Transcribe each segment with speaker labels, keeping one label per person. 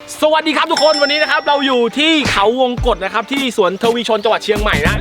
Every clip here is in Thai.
Speaker 1: สวัสดีครับทุกคนวันนี้นะครับเราอยู่ที่เขาวงกตนะครับที่สวนทวีชนจังหวัดเชียงใหม่นะ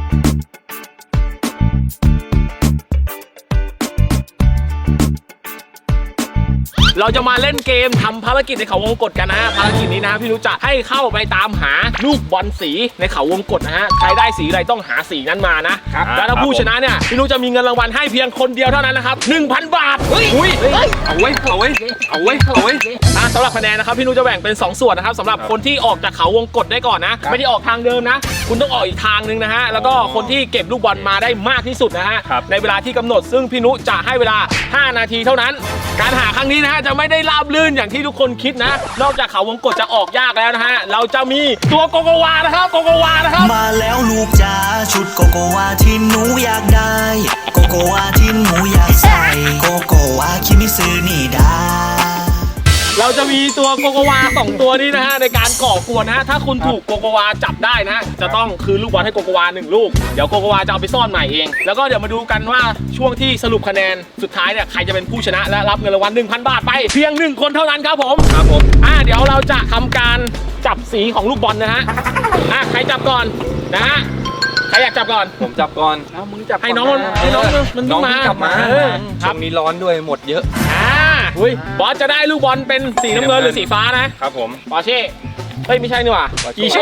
Speaker 1: เราจะมาเล่นเกมทำภารกิจในเขาวงกตกันนะฮะภารกิจนี้นะพี่นุจะให้เข้าไปตามหาลูกบอลสีในเขาวงกตนะฮะใครได้สีอะไรต้องหาสีนั้นมานะครับแล้วถ้าผู้ชนะเนี่ยพี่นุจะมีเงินรางวัลให้เพียงคนเดียวเท่านั้นนะครับ 1,000 บาทเฮ้ยเอาไว้สำหรับคะแนนนะครับพี่นุจะแบ่งเป็น2ส่วนนะครับสำหรับคนที่ออกจากเขาวงกตได้ก่อนนะไม่ได้ออกทางเดิมนะคุณต้องออกอีกทางนึงนะฮะแล้วก็คนที่เก็บลูกบอลมาได้มากที่สุดนะฮะในเวลาที่กำหนดซึ่งพี่นุจะให้เวลา5 นาทีเท่านั้นการหาครั้งนี้นะฮะจะไม่ได้ราบลื่นอย่างที่ทุกคนคิดนะนอกจากเขาวงกตจะออกยากแล้วนะฮะเราจะมีตัวโกโกวานะครับ
Speaker 2: มาแล้วลูกจ๋าชุดโกโกวาที่หนูอยากได้โกโกวาที่หนูอยากใส่โกโกวาคิมิซึนี่ดา
Speaker 1: เราจะมีตัวโกโกวา2ตัวนี้นะฮะในการก่อกวนนะฮะถ้าคุณถูกโกโกวาจับได้นะจะต้องคืนลูกบอลให้โกโกวา1 ลูกเดี๋ยวโกโกวาจะเอาไปซ่อนใหม่เองแล้วก็เดี๋ยวมาดูกันว่าช่วงที่สรุปคะแนนสุดท้ายเนี่ยใครจะเป็นผู้ชนะและรับเงินรางวัล 1,000 บาทไปเพียง1 คนเท่านั้นครับผมเดี๋ยวเราจะทำการจับสีของลูกบอลนะฮะใครจับก่อนนะฮะใครอยากจับก่อน
Speaker 3: ผมจับก่อน
Speaker 1: มึงจับให้น้องมัน
Speaker 3: กลับมาช่วงนี้ร้อนด้วยหมดเยอะ
Speaker 1: บอสจะได้ลูกบอลเป็นสีน้ำเงินหรือสีฟ้านะครับ
Speaker 3: ผม
Speaker 1: ปอเช่เฮ้ยไม่ใช่นี่หว่าอีเช่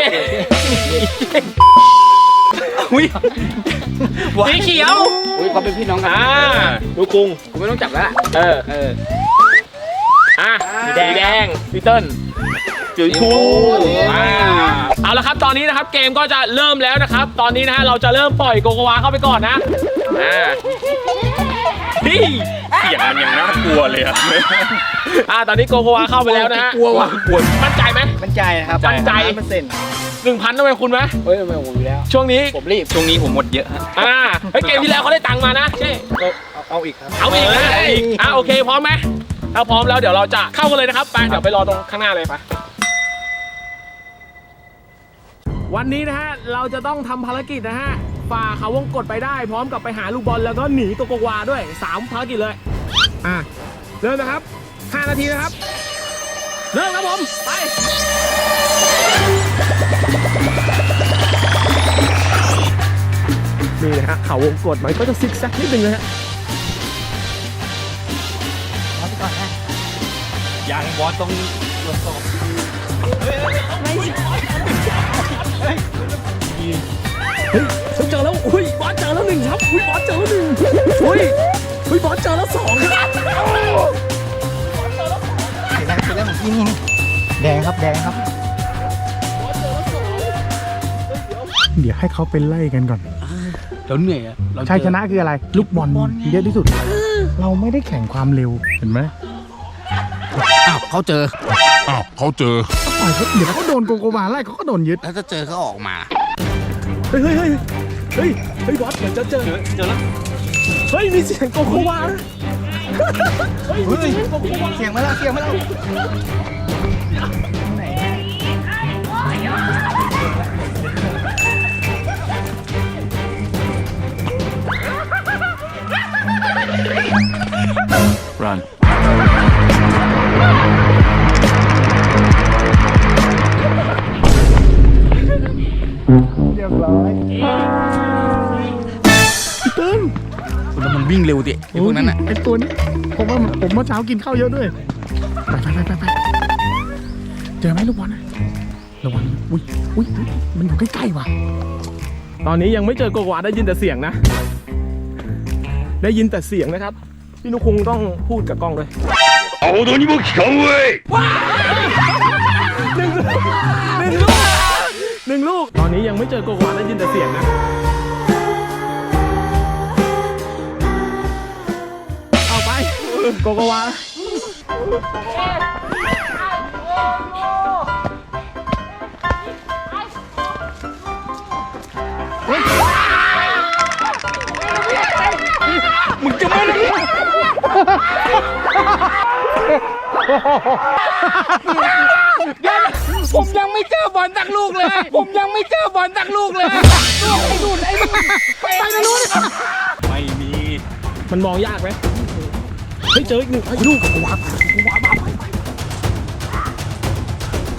Speaker 1: สีเขียว
Speaker 3: เขาเป็นพี่น้องกัน
Speaker 1: ลูกคุง
Speaker 3: กูไม่ต้องจับแล้ว
Speaker 1: สีแดงพี่เติ้ลสีชมพูเอาละครับตอนนี้นะครับเกมก็จะเริ่มแล้วนะครับตอนนี้นะฮะเราจะเริ่มปล่อยโกโกวาเข้าไปก่อนนะ
Speaker 3: เสียงมันยังน่ากลัวเลย
Speaker 1: ตอนนี้โกโกวาเข้าไปแล้วนะฮะ
Speaker 3: กลัว
Speaker 1: มั่นใจไหม
Speaker 3: มั่นใจนะครับ
Speaker 1: มั่นใจ1,000ต้องเป็นคุณไหม
Speaker 3: ไม่ผมอยู่แล้ว
Speaker 1: ช่วงนี้
Speaker 3: ผมรีบช่วงนี้ผมหมดเยอะ
Speaker 1: เกมที่แล้วเขาได้ตังค์มานะใช่
Speaker 3: เอาอีกครับ
Speaker 1: เอาอีกนะโอเคพร้อมไหมถ้าพร้อมแล้วเดี๋ยวเราจะเข้ากันเลยนะครับไปเดี๋ยวไปรอตรงข้างหน้าเลยไปวันนี้นะฮะเราจะต้องทำภารกิจนะฮะฝ่าเขาวงกตไปได้พร้อมกับไปหาลูกบอลแล้วก็หนีตัวโกโกวาด้วย3ภารกิจเลยเริ่มนะครับ5 นาทีนะครับเริ่มครับผมไปนี่นะฮะเขาวงกตมันก็จะซิกแซกนิดนึงนะฮะ
Speaker 3: เอาไปก่อนนะยังบอสต้องตรวจสอบ
Speaker 1: เจอแล้วบอสเจอแล้ว1ครับบอสเจอแล้ว1บอสเจอแล้ว2ครับ
Speaker 3: สีแดงของพี่นี่แดงครับ
Speaker 1: เดี๋ยวให้เขาเป็นไล่กันก่อน
Speaker 3: เราเหนื่อย
Speaker 1: ชัยชนะคืออะไรลูกบอลเยอะที่สุดเราไม่ได้แข่งความเร็วเห็นไหม
Speaker 3: เขาเจอ
Speaker 1: เดี๋ยวเขาโดนโกโกวาไล่เขาก็โดนยึด
Speaker 3: แล้วจะเจอเขาออกมา
Speaker 1: เฮ้ยบอสเดี๋ยวจะเจอแล้วมีเสียงโกโกวา
Speaker 3: เสียงมาแล้วไหน
Speaker 4: Run.
Speaker 1: เรียบร้อยพี่เติ้ล
Speaker 3: แล้วมันวิ่งเร็วดิไอ้พวกนั้น
Speaker 1: ไอ้ตัวนี้ผมเมื่อเช้ากินข้าวเยอะด้วยไปเจอไหมลูกบอลระวังอุ้ยมันอยู่ใกล้ๆว่ะตอนนี้ยังไม่เจอโกโกวาได้ยินแต่เสียงนะได้ยินแต่เสียงนะครับพี่นุคงต้องพูดกับกล้องด้วย
Speaker 4: เอาตัวนี้มาขังไว้
Speaker 1: หนึ่งลูกตอนนี้ยังไม่เจอโกโกวาได้ยินแต่เสียงนะเอาไปโกโกวา
Speaker 3: มึงจะไม่รู้ผมยังไม่เจอบอลสักลูกเลยลูกไอ้นู่นไปนะนู่น
Speaker 1: ไม่มีมันมองยากไหมเฮ้ยเจออีก1ลูกโกโกวาไป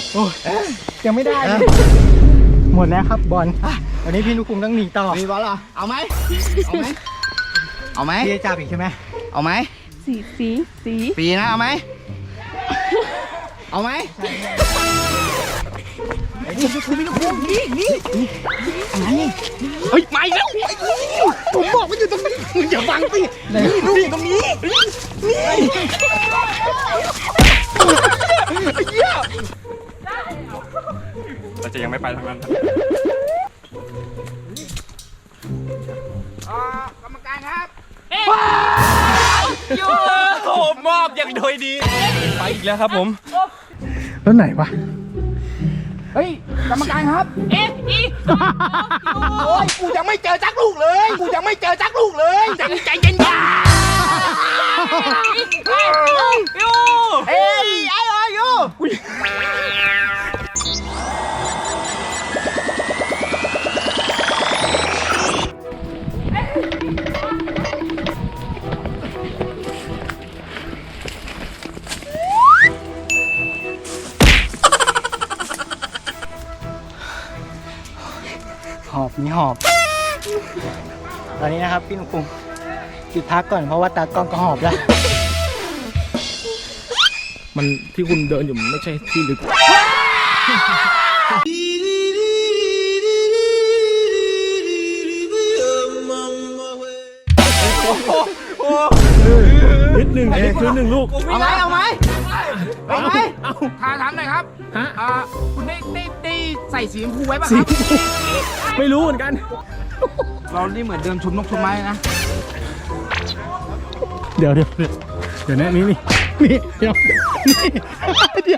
Speaker 5: โอ้ยังไม่ได้เลยหมดแล้วครับบอลวันนี้พี่นุคุมต้องหนีต่อ
Speaker 6: มีบอลเหรอเอาไหมเอาไหมเอาไหม
Speaker 5: พี่จะจับอีกใช่ไหม
Speaker 6: เอาไหม
Speaker 7: สี
Speaker 6: ปีนะเอาไหมเอาไหมนี่อะไรเฮ้ยไม่แล้วผมบอกว่าอยู่ตรงนี้มึงอย่าบังสินี่ตรงนี้นี่
Speaker 3: เราจะยังไม่ไปทางนั้น
Speaker 6: กรรมการครับ
Speaker 1: โอ้มอบอย่างโดยดี
Speaker 3: ไปอีกแล้วครับผม
Speaker 5: แล้วไหนวะ
Speaker 6: เฮ้ยกรรมการครับ
Speaker 1: เอ๊ะอี
Speaker 6: โอ้ยกูยังไม่เจอจักลูกเลยกูยังไม่เจอจักลูกเลยใจเย็นๆ เอ้ยไอ้อายุ
Speaker 5: หอบมีหอบ ตอนนี้นะครับพี่นุคุมหยุดพักก่อนเพราะว่าตากล้องก็หอบแล้ว
Speaker 1: มันที่คุณเดินอยู่มันไม่ใช่ที่ลึก นิดหนึ่งคือหนึ่งลูก
Speaker 6: เอาไหมเอาไหมเอาไหม
Speaker 1: เอา
Speaker 6: ถามหน่อยครับ
Speaker 1: ฮะ
Speaker 6: คุณได้ใส่สีชมพูไว้ป่ะครับ
Speaker 1: ไม่รู้เหมือนกัน
Speaker 6: เรานี่เหมือนเดิมชุมนกชุมไม้นะ
Speaker 5: เดี๋ยวนะนี่เดี๋ยวนี่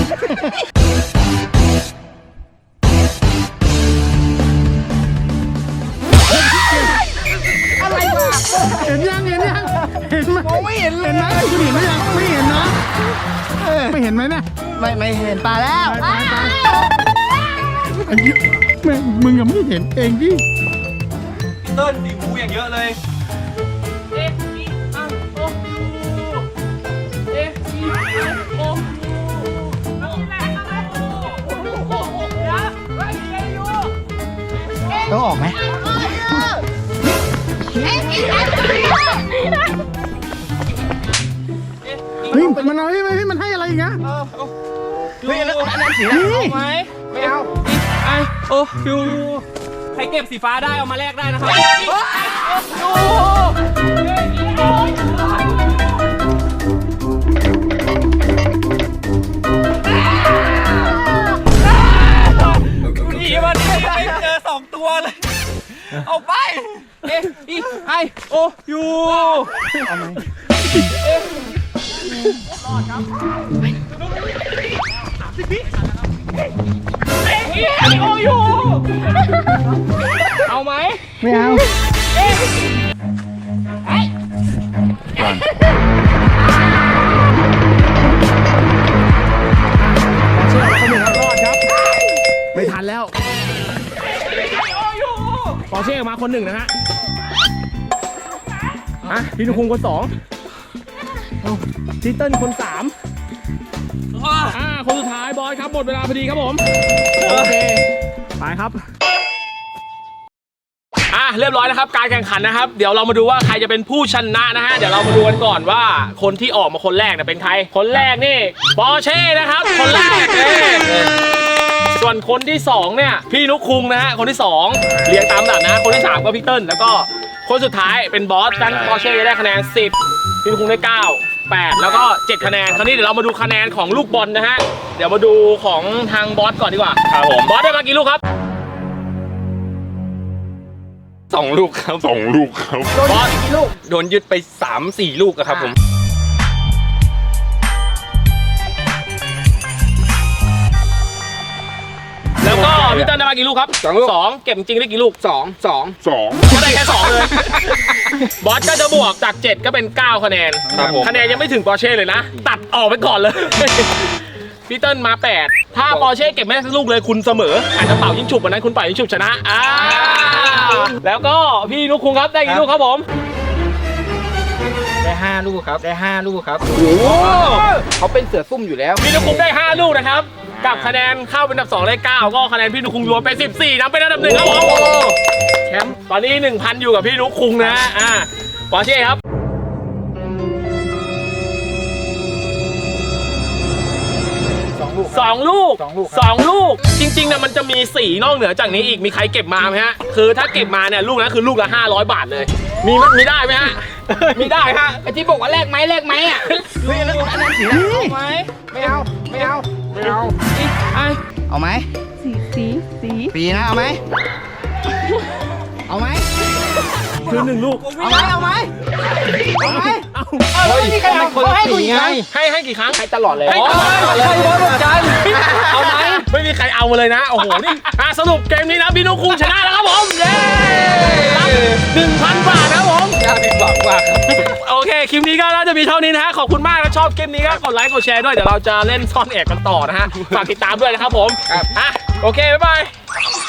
Speaker 5: อะไรวะเห็นยังเห็นไหม
Speaker 6: มองไม่เห็นเลย
Speaker 5: คุณเห็นไหมยังไม่เห็นนะไม่เห็นไหมเนี่ย
Speaker 6: ไม่เห็นปลาแล้ว
Speaker 5: อันนี้แม่งมึงยังไม่เห็นเองดิ
Speaker 3: เติ้ลสีมูอย่างเยอะเลย
Speaker 5: ต้องออกไหมเฮ้ยมันเอาให้มันให้อะไรอีกนะ
Speaker 6: เฮ้ยอันนั้นสีอะไรเอาไหมไม่เอา
Speaker 1: ไอโอ้ยูใครเก็บสีฟ้าได้เอามาแลกได้นะครับหนีมันไม่เจอ2 ตัวเลย เอาไป เอ๊ะอีไอโอยูเอาไหมโอยูเอาไหม
Speaker 5: ไม่เอา
Speaker 1: ไม่ทันแล้วปอร์เช่มาคน 1นะฮะพี่นุคุงคน 2ทิเติ้ลคน 3คนสุดท้ายบอสครับหมดเวลาพอดีครับผมโอเคไปครับเรียบร้อยนะครับการแข่งขันนะครับ เดี๋ยวเรามาดูว่าใครจะเป็นผู้ชนะนะฮะเดี๋ยวเรามาดูกันก่อนว่าคนที่ออกมาคนแรกเนี่ยเป็นใครคนแรกนี่ปอร์เช่นะครับคนแรกส่วนคนที่2เนี่ยพี่นุคุงนะฮะคนที่2เรียงตามลำดับนะคนที่3ก็พี่เติ้ลแล้วก็คนสุดท้ายเป็นบอสดันปอร์เช่ได้คะแนน10พี่นุคุงได้9 8แล้วก็7คะแนนคราวนี้เดี๋ยวเรามาดูคะแนนของลูกบอลนะฮะเดี๋ยวมาดูของทางบอสก่อนดีกว่าครับผมบอสได้มากี่ลูกครับ
Speaker 3: 2 ลูกครับ
Speaker 4: 2 ลูกครับ
Speaker 1: บอสกี่ลูก
Speaker 3: โดนยึดไป 3-4 ลูกอะครับผม
Speaker 1: แล้วก็พี่เติ้ลได้มากี่ลูกครับ
Speaker 6: 2 ลูก
Speaker 1: 2เก็บจริงได้กี่ลูก
Speaker 6: 2
Speaker 1: ก็ได้แค่2เลย บอสก็จะบวกจาก7ก็เป็น9คะแนน
Speaker 3: ครับผม
Speaker 1: คะแนนยังไม่ถึงปอร์เช่เลยนะ ตัดออกไปก่อนเลย พี่เติ้ลมา8ถ้าปอร์เช่เก็บไม่ได้สักลูกเลยคุณเสมออาจจะเป่ายิงฉุบวันนั้นคุณเป่ายิงฉุบชนะแล้วก็พี่นุกคุงครับได้กี่ลูกครับผม
Speaker 6: ได้5 ลูกครับได้5 ลูกครับเขาเป็นเสือซุ่มอยู่แล้ว
Speaker 1: พี่นุกคุงได้5ลูกนะครับกับคะแนนเข้าเป็นอันดับ2ได้9ก็คะแนนพี่นุคุงรวมเป็น14นำเป็นอันดับ1ครับผมแชมป์ตอนนี้ 1,000 อยู่กับพี่นุคุงนะปอร์เช่ครับสองลูกจริงๆนะมันจะมี4นอกเหนือจากนี้อีกมีใครเก็บมาไหมฮะคือถ้าเก็บมาเนี่ยลูกนั้นคือลูกละ500 บาทเลยมีได้ไหมฮะมีได้ฮะ
Speaker 6: ไอ้ที่บอกว่าแลกไหมอ่ะเฮ้ยอันนั้นสีเอาไหมไม่เอาเอาไหมสีปีนะเอาไหม
Speaker 1: คือ1ลูก
Speaker 6: เอาไหม
Speaker 5: ไม่มีใครเอาเขาให้กูอีกไง
Speaker 1: ให้กี่ครั้ง
Speaker 6: ให้ตลอดเลย
Speaker 1: ให้ตลอดเลย
Speaker 5: เหมือนกัน
Speaker 1: เอาไหมไม่มีใครเอามาเลยนะโอ้โหนี่สรุปเกมนี้นะพี่นุคุงชนะแล้วครับผมเย้รับ 1,000 บาทครับผม
Speaker 3: น่าผิดหวังมาก
Speaker 1: โอเคคลิปนี้ก็น่าจะมีเท่านี้นะฮะขอบคุณมากนะชอบเกมนี้ก็กดไลค์กดแชร์ด้วยเดี๋ยวเราจะเล่นซ่อนแอบกันต่อนะฮะฝากติดตามด้วยนะครับผมโอเคบ๊ายบาย